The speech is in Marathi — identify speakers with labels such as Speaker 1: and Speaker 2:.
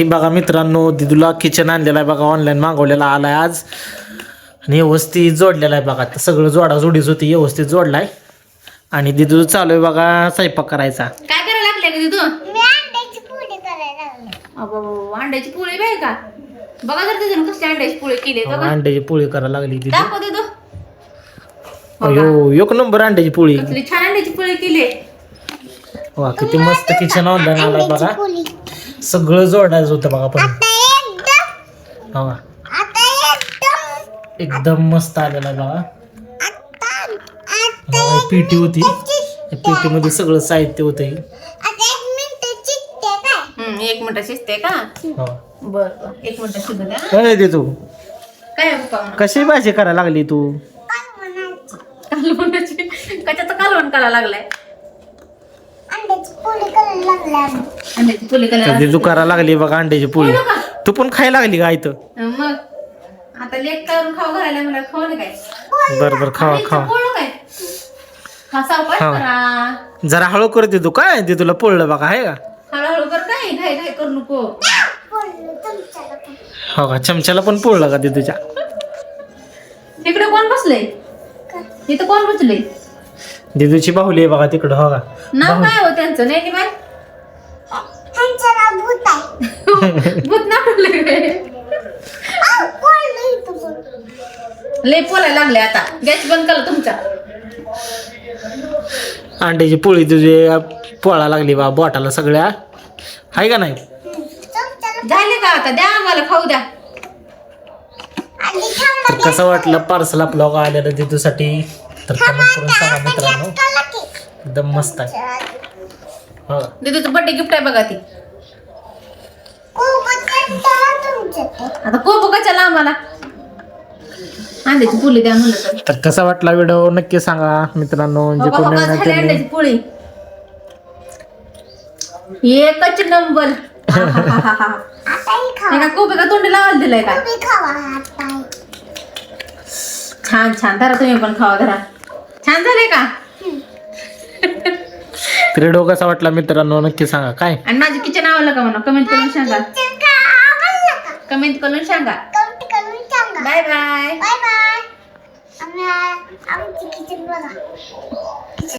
Speaker 1: बघा मित्रांनो, दिदूला किचन आणलेला आहे बघा, ऑनलाईन मागवलेला आलाय आज आणि व्यवस्थित जोडलेला आहे बघा. सगळं जोडाजोडीच होती, व्यवस्थित जोडलाय. आणि दिदू चालू आहे बघा स्वयंपाक करायचा.
Speaker 2: काय करायला लागले का दिदू? मी अंड्याची पोळी करायला लागले. अबो, अंड्याची पोळी बाय का? बघा जर दिदून कसली अंड्याची पोळी केली.
Speaker 1: अंड्याची पोळी करायला लागली दिदू.
Speaker 2: दाखव दिदू.
Speaker 1: अयो, एक नंबर अंड्याची पोळी.
Speaker 2: कसली छान अंड्याची पोळी केली.
Speaker 1: वा, किती मस्त किचन ऑनलाईन आलाय बघा. सगळं जोडायचं होतं बघा. पण बघा एकदम मस्त आलेला आहे बघा. पेटी होती, पेटी मध्ये सगळं साहित्य होतं.
Speaker 2: 1 मिनिट शिजते का? बर 1 मिनिट शिजू द्या.
Speaker 1: काय दे तू?
Speaker 2: काय पप्पा?
Speaker 1: कशी भाजी करायला लागली तू?
Speaker 2: कालवणाची. कशाचं कालवण करायला लागलाय? अंड्याची पोळी करायला.
Speaker 1: दिदू करायला लागली बघा अंड्याची पोळी. तू पण खायला लागली का इथं?
Speaker 2: मग आता लेट करून खाऊ घालायला मला खाऊ नये काय?
Speaker 1: बर खावा खावा.
Speaker 2: काय हा सावकाश करा.
Speaker 1: जरा हळू कर दे तू. काय दे तुला पोळलं बघा, आहे का?
Speaker 2: हळूहळू कर, काय घाई घाई करू नको.
Speaker 1: हो का, चमच्याला पण पोळलं का दिदूच्या?
Speaker 2: तिकडे कोण बसले? इथं कोण बसले?
Speaker 1: दिदूची बाहुली आहे बघा तिकडं. हो का,
Speaker 2: नाव काय हो त्यांचं? नाही बाय भूत ना लय पोलायला लागले. आता गॅस बंद करा तुमचा.
Speaker 1: अंड्याची पोळी तुझी पोळा लागली बा बोटाला सगळ्या, आहे का नाही?
Speaker 2: झाले का? आता द्या आम्हाला खाऊ द्या.
Speaker 1: तर कसं वाटलं पार्सल आपलं आलेलं दिदूसाठी? तर कमेंट करून सांगा मित्रांनो. एकदम मस्त आहे. हो,
Speaker 2: दिदूचं बर्थडे गिफ्ट आहे बघा ती. आता कोबो कशाला आम्हाला? अंड्याची पोळी द्या म्हणलं
Speaker 1: तर कसा वाटला व्हिडिओ नक्की सांगा मित्रांनो. जे कोणी नवीन आहे त्यांनी
Speaker 2: अंड्याची पोळी एकच नंबर. कोबी का तोंडी लावायला दिलाय का? छान छान. धरा तुम्ही पण खावा. धरा. छान झाले का?
Speaker 1: व्हिडिओ कसा वाटला मित्रांनो नक्की सांगा. काय
Speaker 2: आणि माझी किचन आवडलं का म्हणा कमेंट करून सांगा. कमेंट करून सांगा. Bye bye.